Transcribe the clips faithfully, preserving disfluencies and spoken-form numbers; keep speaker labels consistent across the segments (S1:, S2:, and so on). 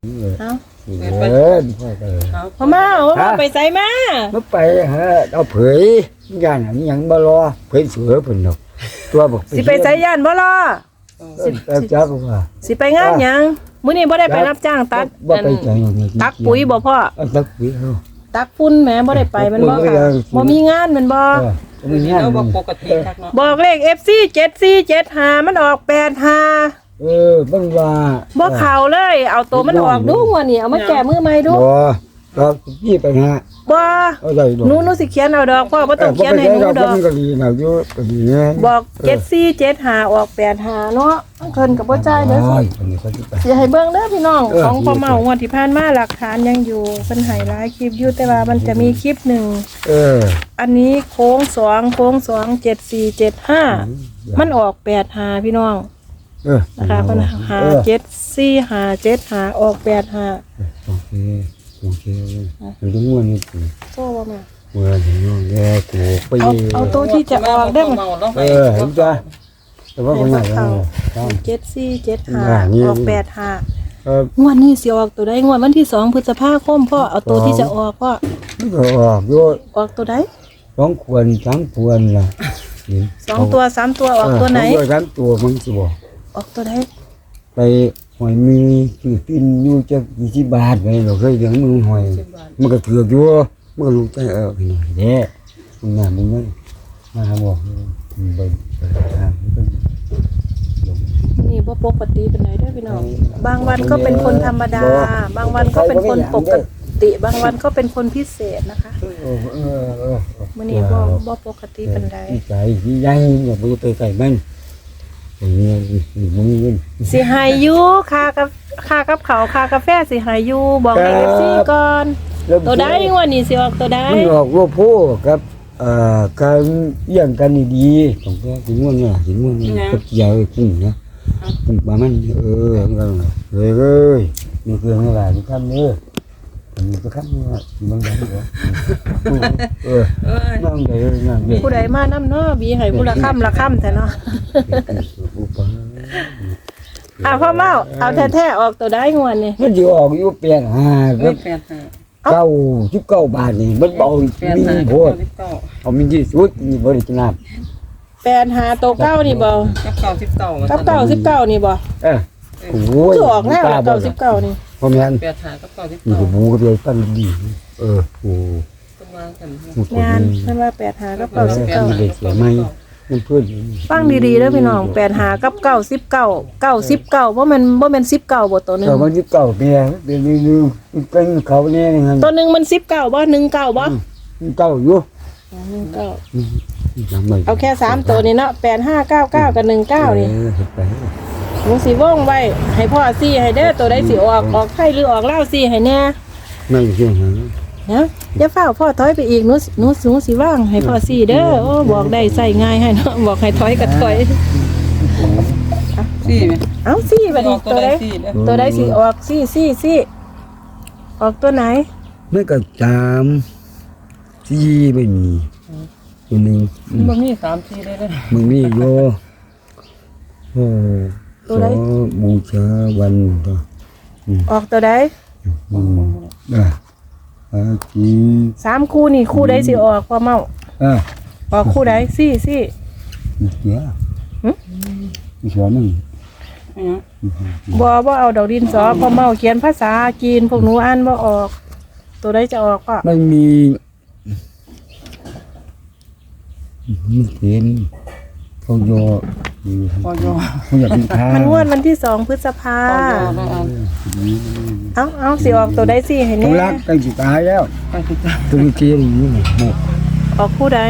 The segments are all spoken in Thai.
S1: เอา
S2: เดินพ่อไป
S1: พ่อมาเอามาไปใส่มา
S2: เมื่อไปฮะเอาเผยย่านอันนี้ยังบ่รอเผยเสือเพิ่นดอกตัวบอก
S1: สิไปใส่ย่านบ่ล่ะ
S2: สิจักว่า
S1: สิไปงานหยังมื้อนี้บ่ได้ไปรับจ้างตัด
S2: บ่ไปจัง
S1: ตักปุ๋ยบ่พ่อ
S2: ตักปุ๋ยเฮา
S1: ตักฝุ่นแหมบ่ได้ไปแมันบ่ค่ะบ่มีงานแมันบ่
S2: มีงาน
S3: เราบอกปกติครับเนาะ
S1: บอกเลข เอฟ ซี เจ็ดสี่เจ็ดห้ามันออกแปดห้า
S2: เออเบิ่งว่า
S1: บ่เข้าเลย เอาตัวมันออกดูว่านี่เอามาแก้มือใหม่ดู
S2: บ่ก็พี่ไปฮะ
S1: บ่
S2: เอาได้ดอก
S1: หนูหนูสิเขียนเอาดอกพ่อบ่ต้องเขียนให้หนูดอก
S2: มันก็ดีนะอยู่ก็ดีนะ
S1: บอกเจ็ดสี่เจ็ดห้าออกแปดห้าเนาะเพิ่นก็บ่จ่ายเด้อ
S2: โอ้
S1: สิ
S2: ยคนนี้เขาสิไป
S1: สิให้เบิ่งเด้อพี่น้อง
S2: เออ
S1: ของพ่อเมางวดที่ผ่านมาหลักฐานยังอยู่เพิ่นให้หลายคลิปอยู่แต่ว่ามันจะมีคลิปหนึ่ง
S2: เออ
S1: อันนี้โค้งสองโค้งสองเจ็ดสี่เจ็ดห้ามันออกแปดห้าพี่น้อง
S2: เออ
S1: นะคะเพิ่นหาเจ็ดสี่หาเจ็ดหาออกแปดห้า
S2: โอเคโอเคมันต้องง่วนนี่
S1: โซ่บ่แม่
S2: เมื่อถึงน้องแย่กูไป
S1: เอาเอาตัวที่จะออกได้มั้ย
S2: เออเห็นจ้ะแต่ว่าคนไหนก็ต้อง
S1: เจ็ดสี่เจ็ดห้า
S2: อ่านี่
S1: ออกแปดห้า
S2: เออง
S1: วดนี้สิออกตัวใดงวดวันที่สองพฤษภาคมพ่อเอาตัวที่จะออกพ่อ
S2: มันก็ออกโย
S1: ออกตัวใด
S2: สองควรสามควรล่ะ
S1: สองตัวสามตัวออกตัวไหน
S2: ตัวสามตัวมันสิบอก
S1: ออกตัวใด
S2: ไปหอยมีคือปิ้นอยู่จะยี่สิบบาทไปเราเคยเลี้ยงมือหอยมันก็ถือกอยู่มันก็รู้ใจเออไปหน่อยเด้มึงงานมึงนั่นมาบอกมึงไปไปทางมันก็
S1: นี่บ่ปกติเป็นไหนเด้อพี่น้องบางวันก็เป็นคนธรรมดา บางวันก็เป็นคนปกติ บางวันก็เป็นคนพิเศษนะคะ
S2: เออเออเออ
S1: มื้อนี้บ่บ่ปกติเป็นใด
S2: ที่ใจที่ใหญ่อย่าไปไปไกลมันอย่างเงี้ยมึงเงิน
S1: สิใหายอยู่ค่ากับค่ากับเขาวค่ากาแฟสิใหายอยู่บอกให้ เอฟ ซี ก่อนตัวใดงวดนี้สิออกตัวใด
S2: มันออกว่าโพกับเอ่อการเยี่ยงกันดีๆของแกถึงว่าเนี่ยถึงว่าเนี่ยก็เกี่ยวกุ้งนะกุ้งปลามันเออมันก็เลยเลยมีเครื่องอะไรทุกท่านเด้อมีทุกท่านเนี่ยบางอย่างเหรอเออนั่งเด้อนั่งเด้อ
S1: ผู้ใดมานำเนาะบีให้ผู้ละค่ำละค่ำแต่เนาะอ่ะพ่อเมาเอาแท้ๆออกตัวใดงวดนี้
S2: มันจะออกอยู่แปดห้าค
S3: เอ้
S2: รั
S3: ย
S2: บ
S3: แปดห้า
S2: เก้าสิบเก้าบาทนี่มันเบา
S3: แปด
S2: มี
S3: ห้า
S2: โพด
S3: สิบเก้า
S2: เอามีที่สุดมีบริจนาบ
S1: แปดหาตัวเก้านี่บ่
S3: กับเก้าสิบเก้า
S1: กับเก้าสิบเก้านี่บ่
S2: เออโอ้ย
S1: คือออกแล้วเก้าสิบเก้านี่
S2: พ่อแม่น
S3: แปดห้ากับเก้าสิบ
S2: มี
S3: เก้าก
S2: ระบูกับเลยตั้งดีเออโอ้
S3: ต้องวางกัน
S2: มันคน
S1: งาน
S2: นี้
S1: เพิ่นว่าแปดหากับ
S2: เอ
S1: เก้า
S2: อ
S1: สิบ
S2: มั
S1: เก้าน
S2: เด็กเสียไหมมันเพื่อน
S1: ฟังดีๆเด้อพี่น้องแปดหากับเก้าสิบเก้าเก้าสิบเก้าบ่แม่นบ่แม่นสิบเก้าบ่ตัวหนึง
S2: แต่มันสิบเก้าเปียเดี๋ยวนี้นึงเป็นเขาเนี่ยนี่ฮะ
S1: ตัวหนึงมันสิบเก้าบ่หนึ่งเก้าบ่
S2: เก้าอยู่
S1: หนึ่งเก้า
S2: จำไม่
S1: เอาแค่สามตัวนี่เนาะแปดห้าเก้าเก้ากับหนึ่งเก้านี่
S2: เออเฮ็ดไป
S1: หนูสิว่องไว้ให้พ่อซี่ให้เด้อตัวใดสิออกออกไทยหรือออกลาวซี่ให้แน่
S2: ไม่เชื่อหา
S1: นะอย่าเฝ้าพ่อถอยไปอีกหนูหนูหนูสิว่างให้พ่อซี่เด้อโอ้บอกได้ใส่ง่ายให้เนาะบอกให้ถอยก็ถอย
S3: สี่ไหม
S1: เอาซี่บัดนี้
S3: ตั
S1: ตัว ว
S3: ใด
S1: ใด
S3: สี่เนี่ย
S1: ตัวใดสิออกซี่ซี่ซี่ออกตัวไหน
S2: ไม่ก็ตามที่ไม่มีตัวหนึ่ง
S3: มันมีสามสี่ได้เลย
S2: มึงนี่โยโอ้ขอบูชาวันต่อ
S1: ออกตัวใด
S2: อืมอ่ะอาจี
S1: สามคู่นี่คู่ใดสิออกพ่อเมา
S2: อ่ะ
S1: ออกคู่ใดซี่ซี่
S2: เสียอีกสองหนึ่ง
S1: บ่บ่เอาดอกดินสอพ่อเมาเขียนภาษาจีนพวกหนูอ่านบ่ออก ตัวใดจะออกก็
S2: ไม่มีไม่เห็นเขาโย
S3: พอยอ
S2: เขาอยากเป็นทาง
S1: มันงวดวันที่สองพฤษภา
S3: พอยอได้อัน
S1: เอาเอาสิออกตัวใดสิให้
S2: เขา
S1: แน่
S2: รักกันสิตายแล้ว
S3: ไปสิจ้า
S2: ตัวเกียร์อย่างนี้หมด
S1: ออกคู่ใด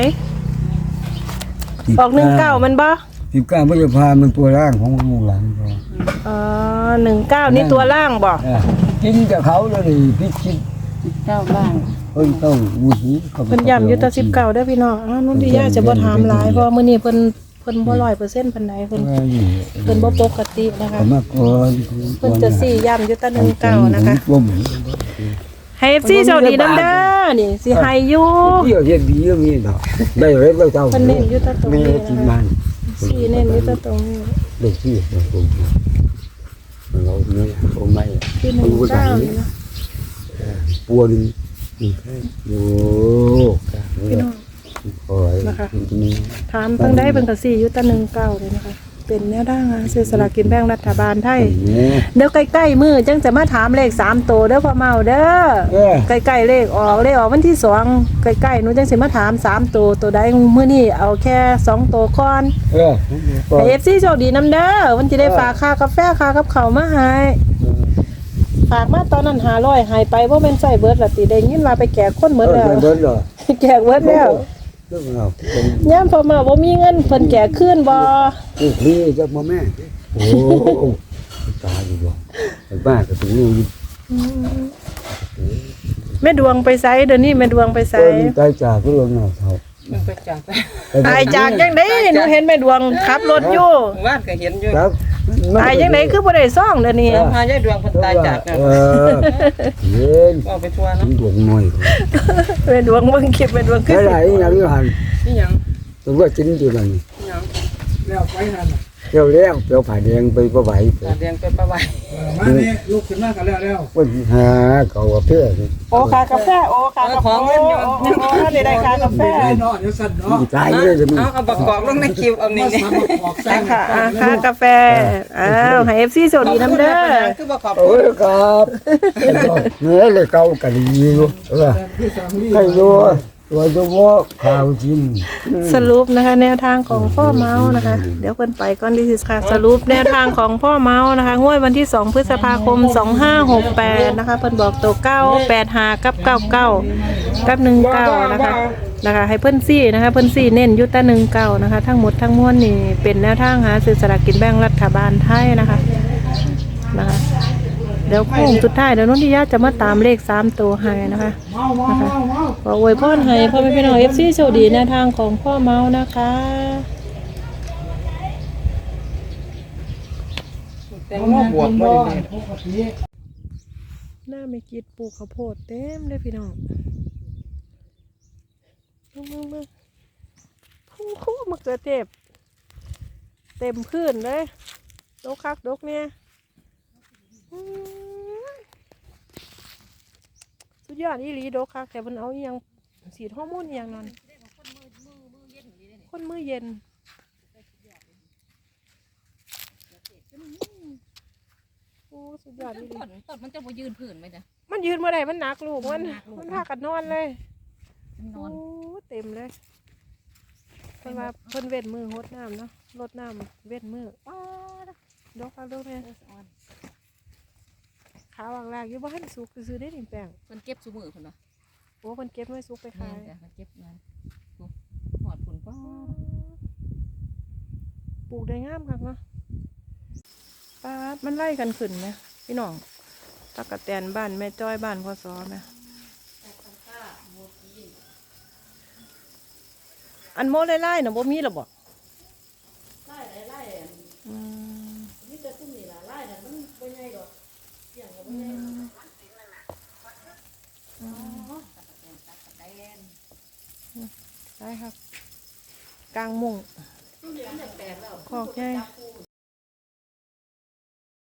S1: ออกหนึ่งเก้ามันบ่
S2: สิบเก้าพฤษภามันตัวร่างของลูกหลานเขา
S1: เออหนึ่งเก้านี่ตัวล่างบ่
S2: อ่ะกินกับเขาเลยพี่คิด
S3: สิบเก้าล่าง
S2: เอ้ยต้องวูฮีเขา
S1: เพิ่นย้ำอยู่แตะสิบเก้าเด้อพี่น้องอ้าวนุ่นที่ย่าจะบ่ถามหลายเพราะมื้อนี้เพิ่นเพิ่นบ่ร้อยเปอร์เซ็นต์ปานใดเพิ่นเพิ่นบ่ปกตินะคะ
S2: เขามาก่อน
S1: เพิ่นจะสี่ย้ำอยู่แตะหนึ่งเก้านะคะ
S2: ร่วม
S1: ให้ เอฟ ซี โชคดีนำเด้อนี่สิให้อยู่
S2: เที่ยวเฮ็ดดีก็มีดอกได้เลยเราเจ้า
S1: เพิ่นเน้นอยู่แตะตรง
S2: แม่
S1: นี้
S2: ที่
S1: นะ
S2: มั
S1: คะ
S2: น
S1: สี่เน้นอยู่แตะตรงนี้
S2: เด็กที่ผมเราเนื้อโอ้ไม่
S1: คือหนึ่งเก้านี่นะ
S2: ปัวนึงนี่แค่โอ้กะ
S1: พี่น้อง
S2: โอ้ยนี่
S1: ถามเพิ่งได้เป็นกระสี่ยุตะหนึ่งเก้าเลยนะคะเป็นแนวด้างอ่ะซื้อสลากกินแบ่งรัฐบาลไทย
S2: นี่
S1: เดี๋ยวใกล้ๆมือจังจะมาถามเลขสามตัวเด้อพ่อเมาเด้อ
S2: เออ
S1: ใกล้ๆเลขออกเลขออกวันที่สองใกล้ๆหนูจังสิมาถามสามตัวตัวใดมื้อนี้เอาแค่สองตัวก่อน
S2: เออ
S1: ให้ เอฟ ซี โชคดีนํเด้อวันจะได้ฝากค่ากาแฟค่ากับข้าวมาให้ฝากมาตอนนั้นห้าร้อยหายไปบ่แม่นใช้เบิดละติได้ยินว่าไปแจกคนหมดแล้ว
S2: เบิดเหรอ
S1: แจกเบิดแล้ว
S2: เรื่องเราเป็น
S1: ยามพ่อเมาบ่มีเงินเพิ่นแจกคืนบ่
S2: ผู้พี่จะมาแม่โอ้ตายอยู่บ่ไอ้บ้าก็ถึงนี่
S1: แม่ดวงไปไสเดี๋ยวนี้แม่ดวงไปไส
S2: เออตายจากก็ลงหน้าเท่า
S3: มันไปจาก
S1: ตายจากจังได๋หนูเห็นแม่ดวงขับรถอยู่
S3: ว่านก็เห็นอยู่
S2: ครับ
S1: ตายจังได๋คือบ่ได้ซ่องเดี๋ยวนี้
S3: พายายดวงเพิ่นตายจากนะ
S2: เออเย็น
S3: เอาไปทัวร์
S2: ถึ
S3: เนาะ
S2: งดวงน้อย
S1: แม่ดวงเบิ่งคลิปแม่ดวงคือ
S2: แค่ไหนอย่างนี้หัน
S3: นี่หยัง
S2: ตัวจิ้นตัวนั้น
S3: นี่หยังแล้วไปนั่นน่ะ
S2: เร็วแล้วเปลวผ่าแดงไปประไหว
S3: ตาแดงไปประไว้
S4: มานี่ลุกขึ้นมากันแล้วแล้ว
S2: ปัญหาเก่าเพื่อน
S1: โอ้ค่ากาแฟโอ้ค่ากาแฟโอ้โอ้โอ้ได้ได้ค่ากาแฟ
S4: ได้เนาะเดี๋ยวสั่นเนาะ
S2: ตายเลยจะมี
S3: เอาเอาประกอบลงในคิวเอานี่
S4: มา
S3: นี่
S4: สามาออกแซ
S1: อ่ะ
S4: ง
S1: ค่ะอ่ะค่ากาแฟอ้าวให้ เอฟ ซี โชคดีนํเด้อ
S3: คือบ่ขอบ
S2: โอ้ยครับเนื้อเลยเก่ากันดีอยู่เออ
S4: ที่สามลี่
S2: ให้ดูตัวจะว่าข่าวจริง
S1: สรุปนะคะแนวทางของพ่อเมาส์นะคะ เดี๋ยวเพิ่นไปก่อนดิสิค่ะสรุปแนวทางของพ่อเมาส์นะคะงวดวันที่สองพฤษภาคมสองห้าหกแปดนะคะเพิ่นบอกตัวเก้าแปดห้ากับเก้าเก้ากับหนึ่งเก้านะคะนะคะให้เพิ่นซี่นะคะเพิ่นซี่เน้นอยุตแต่หนึ่งเก้านะคะทั้งหมดทั้งมวลนี่เป็นแนวทางหาซื้อสลากกินแบ่งรัฐบาลไทยนะคะนะคะเดี๋ยวโค้งสุดท้ายเดี๋ยวนุ่นทิยาจะมาตามเลขสามตัวให้นะคะ
S4: เมาเมาเมาเมา
S1: ขออวยพรให้พ่อแม่พี่น้องเอฟซีโชคดีแนวทางของพ่อเมาส์นะคะ
S3: แต่งบวกบ่ได้
S4: ปกติ
S1: หน้าไม่กิดปลูกข้าวโพดเต็มเลยพี่น้องมึงมึงมึงพุ่งคู่มะเขือเทศเต็มพื้นเลยดกคักดกเนี่ยอืมสุดยอดอีหลีดกคักแต่มันเอาอหยังสีฮอร์โมนอหยังนั่นคนมือเย็นโอ้สุดยอดอีหลี
S5: ต้นต้นมันจะมายืนผืนไหมเนี่ย
S1: มันยืนเมื่อไหร่มันหนักลูกมันมันพากันนอนเลย
S5: มันน
S1: โอ้
S5: อน
S1: เต็มเลยเพิ่นว่าเพิ่นเวทมือหดน้ำเนาะลดน้ำเวทมือป้าดดอกฟังดอกแม่
S5: อ่อน
S1: ขาวางลากอยู่บ้านสุกซื้อได้หนึ่งแปลง
S5: มันเก็บสมือคนเนาะ
S1: โอ้เพิ่นเก็บไว้สุกไป
S5: แม่
S1: ขาย
S5: นจ้ะมันเก็บเงินหอดผุนป้า
S1: ปลูกได้งามคักเนาะป้าดมันไล่กันขึ้นไหมพี่น้องตะกะแตนบ้านแม่จ้อยบ้านพ่อซอไหมอันโมไล่ๆน่ะบ่มีหรอบ่ไล่ไล่อืมมีแต่ตุ้มนี่ล่ะไล่น่ะมันบ่ใหญ่ดอกเสียงก็บ่ใหญ่อ๋อได้ครับกลางมุงคอกใหญ่